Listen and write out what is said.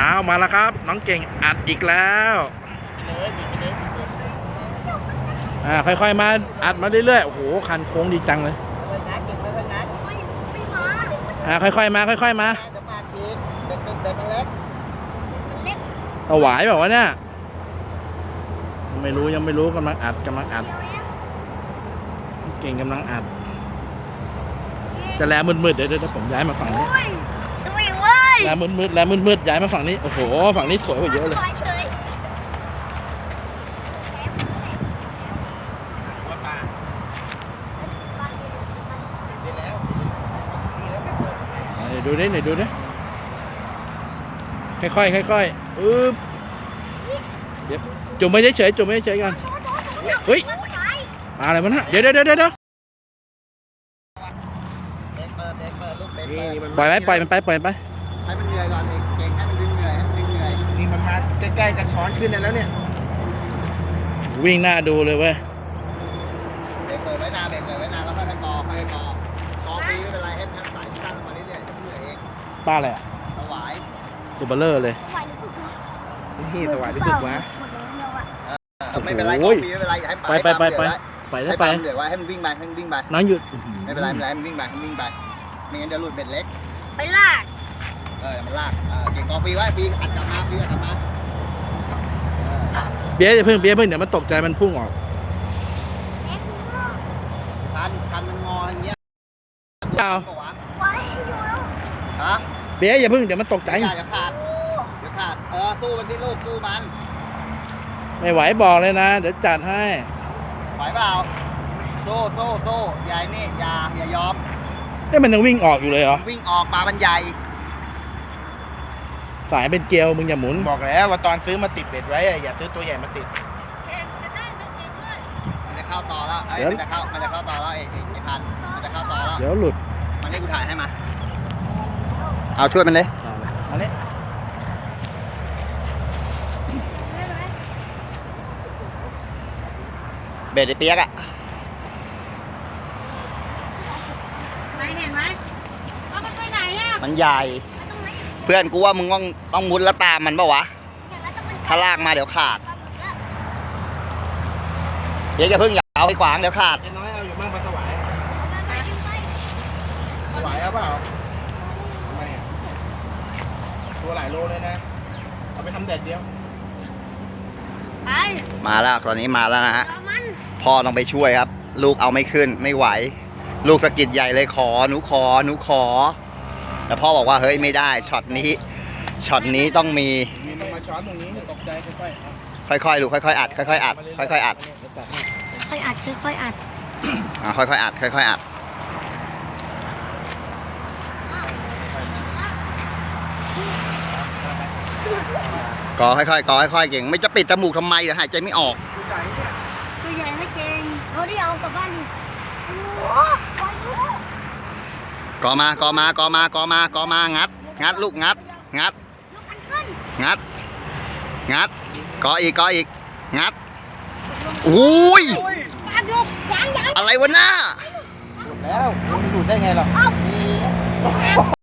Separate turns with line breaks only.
อ้าวมาแล้วครับน้องเก่งอัดอีกแล้วค่อยๆมาอัดมาเรื่อยๆโอ้โหคันโค้งดีจังเลยค่อยๆมาค่อยๆมาถวายแบบว่าเนี่ยไม่รู้ยังไม่รู้กำลังอัดเก่งกำลังอัดจะแลมืดๆเดี๋ยวผมย้ายมาฝั่งนี้แลมืดย้ายมาฝั่งนี้โอ้โหฝั่งนี้สวยกว่าเยอะเลยดูดิไหนดูดิค่อยเดี๋ยวจุ่มไม่เฉยกันเฮ้ยอะไรมันฮะเดี๋ยวปล่อยมันไปให้มันเหนื่อยก่อนเก่งให้มันเหนื่อยนี่มันมาใกล้ๆจะช้อนขึ้นแล้วเนี่ยวิ่งหน้าดูเลยเว้ยเบรกไว้นานแล้วค่อยๆกอปีไม่เป็นไรให้สายตั้งมาเรื่อยๆเหนื่อยเองป้าอะไรอ่ะสวายตัวเบลเลอร์เลยนี่สวายที่สุดวะไม่เป็นไรไม่เป็นไรให้ไปเหนื่อยไว้ให้มันวิ่งไปน้องหยุดไม่เป็นไรให้มันวิ่งไปไม่งั้นจะหลุดเบ็ดเล็กไปลากมันลากเก่งกอปีไว้ปีอัดกลับมาเบี้ยเพิ่งเดี๋ยวมันตกใจมันพุ่งออกคันมันงออย่างเงี้ยเบี้ยอย่าเพิ่งเดี๋ยวมันตกใจเดี๋ยวขาดสู้มันที่ลูกสู้มันไม่ไหวบอกเลยนะเดี๋ยวจัดให้ไหวเปล่าสู้ใหญ่นี่อย่ายอมมันยังวิ่งออกอยู่เลยเหรอวิ่งออกปลามันใหญ่สายเป็นเกลียวมึงอย่าหมุนบอกแล้วว่าตอนซื้อมาติดเบ็ดไว้อย่าซื้อตัวใหญ่มาติดมันจะเข้าต่อแล้วมันจะเข้าต่อแล้วไอ้พันมันจะเข้าต่อแล้วเดี๋ยวหลุดมันนี่กูถ่ายให้มาเอาช่วยมันเลยเอาเลยเบ็ดไอ้เปียกอะเห็นไหมมันไปไหนอะมันใหญ่เพื่อนกูว่ามึงต้องมุดแล้วตามมันปะวะถ้าลากมาเดี๋ยวขาดเดี๋ยวจะเพิ่งอย่าเอาไปขวางเดี๋ยวขาดน้อยเอาอยู่บ้างปลาสวายเอาเปล่าทำไมอะตัวหลายโลเลยนะเอาไปทำเด็ดเดียวมาแล้วตอนนี้มาแล้วนะฮะพ่อต้องไปช่วยครับลูกเอาไม่ขึ้นไม่ไหวลูกสะกิดใหญ่เลยหนูขอแต่พ่อบอกว่าเฮ้ยไม่ได้ช็อตนี้ต้องมีมาช้อนตรงนี้ตกใจค่อยๆลูกค่อยๆอัดค่อยๆอัดค่อยๆอัดกอค่อยๆเก่งไม่จะปิดจมูกทำไมเดี๋ยวหายใจไม่ออกตัวใหญ่ไม่เก่งเอากลับบ้านดิกอมางัดลูกงัดกออีกงัดอุ้ยอะไรวะหน้าหลุดแล้วมันหลุดได้ไงหรอ